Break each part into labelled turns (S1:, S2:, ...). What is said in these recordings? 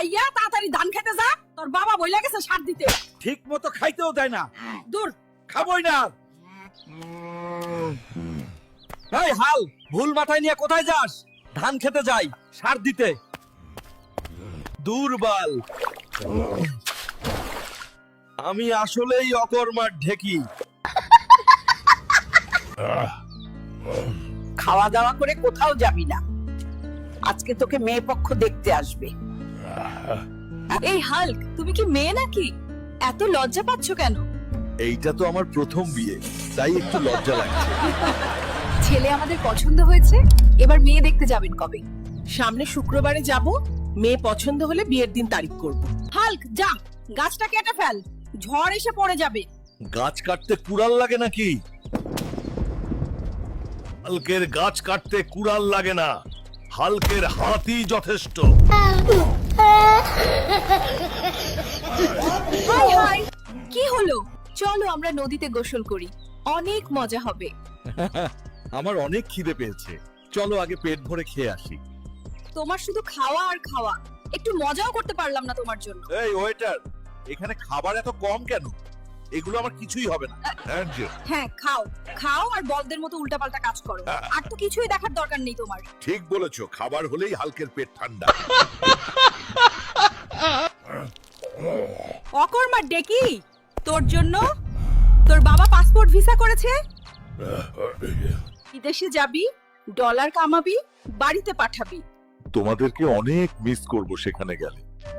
S1: খাইয়া তাড়াতাড়ি ধান খেতে যা, তোর বাবা বইলা গেছে সার দিতে।
S2: ঠিক মতো খাইতেও দেয় না।
S1: দূর।
S2: খাবই না। এই হাল, ভুল মাথায় নিয়ে কোথায় যাস? ধান খেতে যাই, সার দিতে। দুর্বল। আমি আসলেই অকর্মার ঢেকি।
S1: খাওয়া দাওয়া করে কোথাও যাবি না, আজকে তোকে মেয়ে পক্ষ দেখতে আসবে।
S3: এই হাল্ক, তুমি কি মেয়ে নাকি? এত লজ্জা পাচ্ছ কেন?
S2: এইটা তো আমার প্রথম বিয়ে, তাই একটু লজ্জা লাগছে।
S3: ছেলে আমাদের পছন্দ হয়েছে, এবার মেয়ে দেখতে যাবেন কবে?
S1: সামনে শুক্রবারে যাব, মেয়ে পছন্দ হলে বিয়ের দিন তারিখ করব। হাল্ক যা, গাছটা কেটে ফেল, ঝড় এসে পড়ে যাবে।
S2: গাছ কাটতে কুড়াল লাগে নাকি? হালকের গাছ কাটতে কুড়াল লাগে না, হালকের হাতই যথেষ্ট।
S3: হাই হাই, কি হলো? চলো আমরা নদীতে গোসল করি, অনেক মজা হবে।
S2: আমার অনেক খিদে পেয়েছে, চলো আগে পেট ভরে খেয়ে আসি।
S3: তোমার শুধু খাওয়া আর খাওয়া, একটু মজাও করতে পারলাম না তোমার জন্য।
S2: এই ওয়েটার, এখানে খাবার এত কম কেন? এগুলো আমার কিছুই হবে না।
S3: হ্যাঁ খাও, খাও আর বলদের মতো উল্টাপাল্টা কাজ করো, আর তো কিছুই দেখার দরকার নেই তোমার।
S2: ঠিক বলেছো, খাবার হলেই হালকের পেট ঠান্ডা।
S1: অকর্মা ডেকি, তোর জন্য তোর বাবা পাসপোর্ট ভিসা করেছে। বিদেশে যাবি, ডলার কামাবি, বাড়িতে পাঠাবি।
S2: তোমাদেরকে অনেক মিস করব সেখানে গেলে।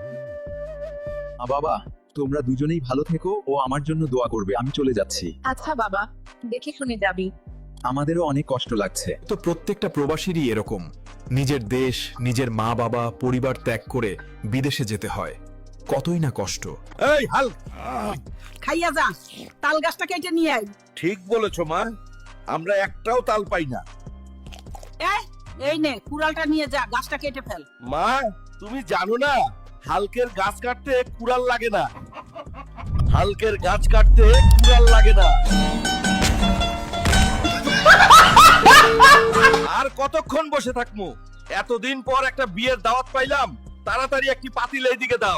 S4: বাবা, তোমরা দুজনেই ভালো থেকো ও আমার জন্য দোয়া করবে। আমি চলে যাচ্ছি।
S3: আচ্ছা বাবা, দেখে শুনে যাবি।
S4: আমাদেরও অনেক কষ্ট লাগছে।
S5: তো প্রত্যেকটা প্রবাসীরই এরকম নিজের দেশ, নিজের মা বাবা, পরিবার ত্যাগ করে বিদেশে যেতে হয়। কতই না কষ্ট।
S2: এই হাল,
S1: খাইয়া যা, তাল গাছটা কেটে নিয়ে আয়।
S2: ঠিক বলেছো মা, আমরা একটাও তাল পাই না।
S1: এই নে, কুড়ালটা নিয়ে যা, গাছটা কেটে ফেল।
S2: মা, তুমি জানো না হালকের গাছ কাটতে কুড়াল লাগে না। হালকের গাছ কাটতে কুড়াল লাগে না। আর কতক্ষণ বসে থাকবো? এতদিন পর একটা বিয়ের দাওয়াত পাইলাম, তাড়াতাড়ি একটি পাতিল এইদিকে দাও।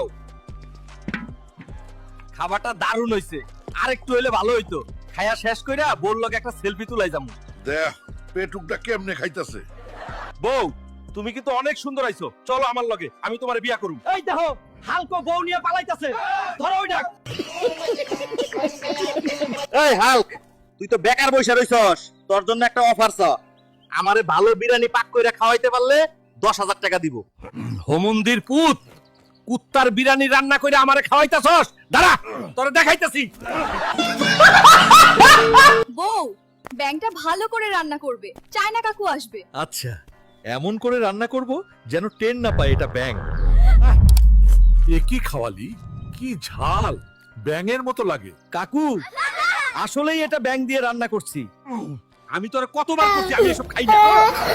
S2: খাবারটা দারুণ হইছে, আর একটু হইলে ভালো হইতো। খায়া শেষ কইরা বউর লগে একটা সেলফি তুলাই যাবো।
S6: দেখ পেটুকটা কেমনে খাইতাছে।
S2: বউ, তুমি কিন্তু অনেক সুন্দর আইছো, চলো আমার লগে, আমি তোমার বিয়া করুম। এই দেখো, হালকো বউ নিয়ে পালাইতাছে, ধরো ওই ডাক। এই হালক, তুই তো বেকার বইসা রইছস, তোর জন্য একটা অফার ছ। আমারে ভালো বিরিয়ানি পাক কইরা খাওয়াইতে পারলে 10,000 টাকা দিব। হোমন্দির পুত, কুত্তার বিরিয়ানি রান্না কইরা আমারে খাওয়াইতাছস? দাঁড়া, তোরে দেখাইতাছি।
S3: বউ, ব্যাংকটা ভালো করে রান্না করবে, চায়না কাকু আসবে।
S2: আচ্ছা, এমন করে রান্না করব যেন টেন না পায় এটা ব্যাং।
S6: এ কি খাওয়ালি? কি ঝাল, ব্যাঙের মতো লাগে।
S2: কাকু, আসলেই এটা ব্যাং দিয়ে রান্না করছি। আমি তোরে কতবার করছি আমি এসব খাই না।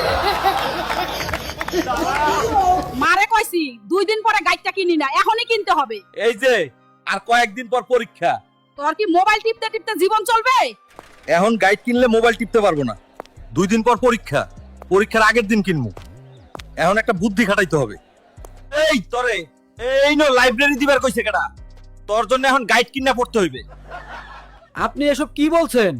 S1: মারে কইছি 2 দিন পরে গাইডটা কিনি না, এখনই কিনতে হবে।
S2: এই যে আর কয়েকদিন পর পরীক্ষা,
S1: তোর কি মোবাইল টিপতে টিপতে জীবন চলবে?
S2: এখন গাইড কিনলে মোবাইল টিপতে পারবো না। 2 দিন পর পরীক্ষা, পরীক্ষার আগের দিন কিনবো। এখন একটা বুদ্ধি খাটাইতে হবে। এই তরে, এই নো লাইব্রেরি দিবার কইছে কেডা? তোর জন্য এখন গাইড কিনা পড়তে হইবে।
S7: আপনি এসব কি বলছেন?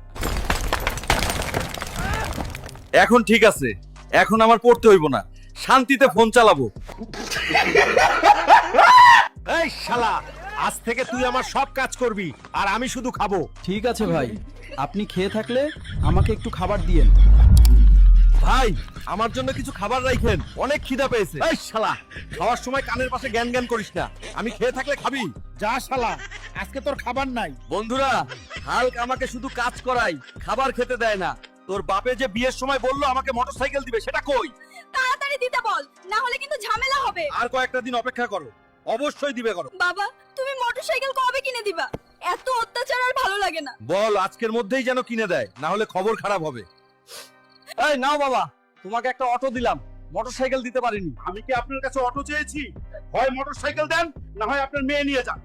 S2: এখন ঠিক আছে, এখন আমার পড়তে হইব না, শান্তিতে ফোন চালাবো। এই শালা, আজ থেকে তুই আমার সব কাজ করবি আর আমি শুধু খাবো।
S7: ঠিক আছে ভাই, আপনি খেয়ে থাকলে আমাকে একটু খাবার দিয়েন।
S2: ভাই, আমার জন্য কিছু খাবার রাখেন, অনেক খিদা পেয়েছে। এই শালা, খাওয়ার সময় কানের পাশে জ্ঞান জ্ঞান করিস না, আমি খেয়ে থাকলে খাবি।
S6: যা শালা, আজকে তোর খাবার নাই।
S2: বন্ধুরা, হাল্ক আমাকে শুধু কাজ করাই, খাবার খেতে দেয় না। তোর বাপে যে বিয়ের সময় বললো আমাকে মোটরসাইকেল দিবে, সেটা কই?
S3: তাড়াতাড়ি দিতে বল, না হলে কিন্তু ঝামেলা হবে।
S2: আর কয়েকটা দিন অপেক্ষা করো, অবশ্যই দিবে করো।
S3: বাবা, তুমি মোটরসাইকেল কবে কিনে দিবা? এত অত্যাচার আর ভালো লাগে না।
S2: বল আজকের মধ্যেই যেন কিনে দেয়, না হলে খবর খারাপ হবে। এই নাও বাবা, তোমাকে একটা অটো দিলাম, মোটরসাইকেল দিতে পারিনি।
S6: আমি কি আপনার কাছে অটো চেয়েছি? হয় মোটরসাইকেল দেন, না হয় আপনার মেয়ে নিয়ে যান।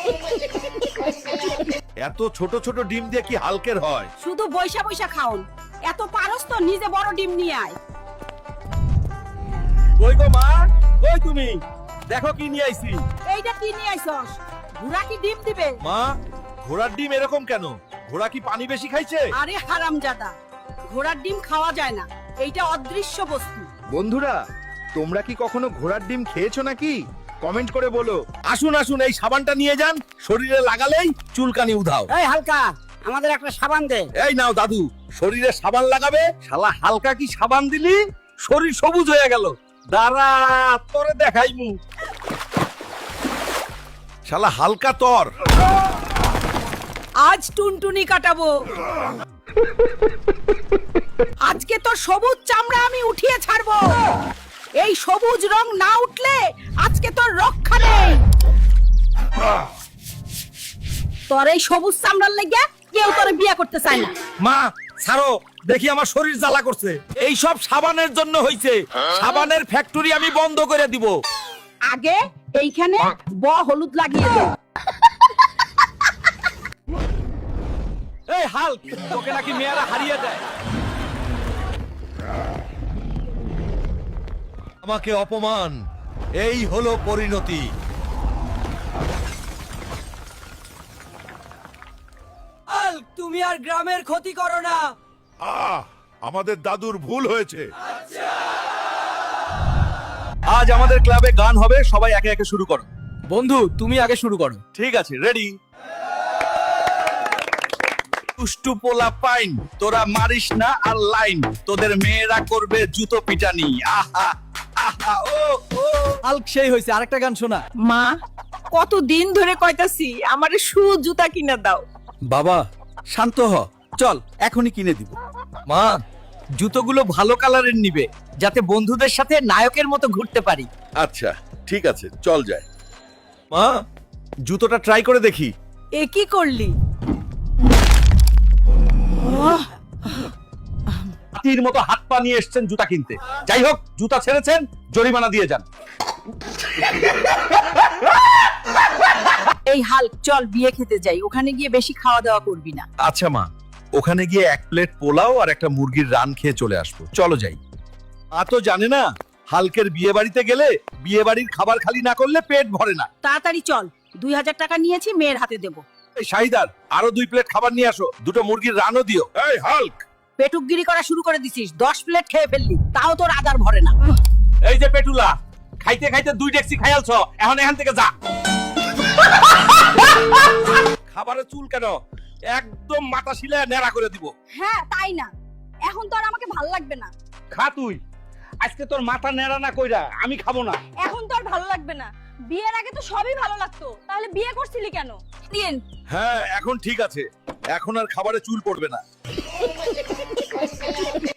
S2: এত ছোট ছোট ডিম দিয়ে কি হালকের হয়?
S1: শুধু বইসা বইসা খাওন, এত পারস তো নিজে বড় ডিম নিয়ে আয়।
S2: কই গো মা, কই তুমি? দেখো কি নিয়ে আইছি।
S1: এইটা কি নিয়ে আইছস? ঘোড়া কি ডিম দিবে?
S2: মা, ঘোড়ার ডিম এরকম কেন? ঘোড়া কি পানি বেশি খাইছে?
S1: আরে হারামজাদা, ঘোড়ার ডিম খাওয়া যায় না, এইটা অদৃশ্য বস্তু।
S4: বন্ধুরা, তোমরা কি কখনো ঘোড়ার ডিম খেয়েছো নাকি? কমেন্ট করে বলো।
S2: আসুন আসুন, এই সাবানটা নিয়ে যান, শরীরে লাগালেই চুলকানি উধাও।
S1: এই হালকা, আমাদের একটা সাবান দে।
S2: এই নাও দাদু, শরীরে সাবান লাগাবে। শালা হালকা কি সাবান দিলি, শরীর সবুজ হয়ে গেল। দাঁড়া, তোরে দেখাইমু। শালা হালকা তর।
S1: আজ টুনটুনি কাটাবো। আজকে তো সবুজ চামড়া আমি উঠিয়ে ছাড়বো। এই সবুজ রং না উঠলে আজকে তোর রক্ষা নেই। তোর এই সবুজ চামড়ার লেগে কেউ তোরে বিয়ে করতে চায় না।
S2: মা ছাড়ো, দেখি আমার শরীর জ্বালা করছে। এই সব সাবানের জন্য হইছে। সাবানের ফ্যাক্টরি আমি বন্ধ করে দিব।
S1: আগে এইখানে হলুদ লাগিয়ে দে।
S2: এই হাল্ক, তোকে নাকি মেয়েরা হারিয়ে দেয়। আমাকে অপমান, এই হলো পরিণতি।
S7: তুমি আর গ্রামের ক্ষতি করো না।
S6: আমাদের দাদুর ভুল হয়েছে।
S2: আজ আমাদের ক্লাবে গান হবে, সবাই একে একে শুরু করো।
S7: বন্ধু, তুমি আগে শুরু করো।
S2: ঠিক আছে, রেডি। দুষ্টু পোলা পাইন, তোরা মারিস না আর লাইন, তোদের মেয়েরা করবে জুতো পিটানি। আহা আহা, ও ও।
S7: হাল্ক সেই হয়েছে, আরেকটা গান শোনা।
S1: মা, কতদিন ধরে কইতাছি আমারে শু জুতা কিনা দাও।
S7: বাবা শান্ত হ, চল এখনই কিনে দিব।
S2: মা, জুতোগুলো ভালো কালারের নিবে, যাতে বন্ধুদের সাথে নায়কের মতো ঘুরতে পারি।
S6: আচ্ছা ঠিক আছে, চল যাই।
S2: মা, জুতোটা ট্রাই করে দেখি।
S1: এ কি করলি?
S2: হাতির মতো হাত পা নিয়ে এসেছেন জুতা কিনতে। যাই হোক, জুতা ছেড়েছেন, জরিমানা দিয়ে যান।
S1: এই হাল্ক, চল বিয়ে খেতে যাই, ওখানে গিয়ে বেশি খাওয়া দাওয়া করবি না।
S2: আচ্ছা মা, ওখানে গিয়ে 1 প্লেট পোলাও আর একটা মুরগির রান খেয়ে চলে আসবো। চলো যাই। মা তো জানে না, হালকের বিয়ে বাড়িতে গেলে বিয়ে বাড়ির খাবার খালি না করলে পেট ভরে না।
S1: তাড়াতাড়ি চল, 2000 টাকা নিয়েছি, মেয়ের হাতে দেবো।
S2: এই শাহিদার, আরো 2 প্লেট খাবার নিয়ে আসো, 2টো মুরগির রানও দিও।
S6: এই হাল্ক,
S1: পেটুকগিরি করা শুরু করে দিছিস, 10 প্লেট খেয়ে ফেললি, তাও তোর আদার ভরে না।
S2: এই যে পেটুলা, খাইতে খাইতে 2 ডেক্সি খাইয়ালছ, এখন এখান থেকে যা। খাবারের চুল কেন? একদম মাথা শিলায় নেড়া করে দিব।
S3: হ্যাঁ তাই না, এখন তো আর আমাকে ভালো লাগবে না।
S2: খা তুই। আজকে তোর মাথা নেড়া না কইরা আমি খাবো না।
S3: এখন তো আর ভালো লাগবে না। বিয়ের আগে তো সবই ভালো লাগতো, তাহলে বিয়ে করছিলি কেন? দিন।
S2: হ্যাঁ, এখন ঠিক আছে, এখন আর খাবারে চুল পড়বে না।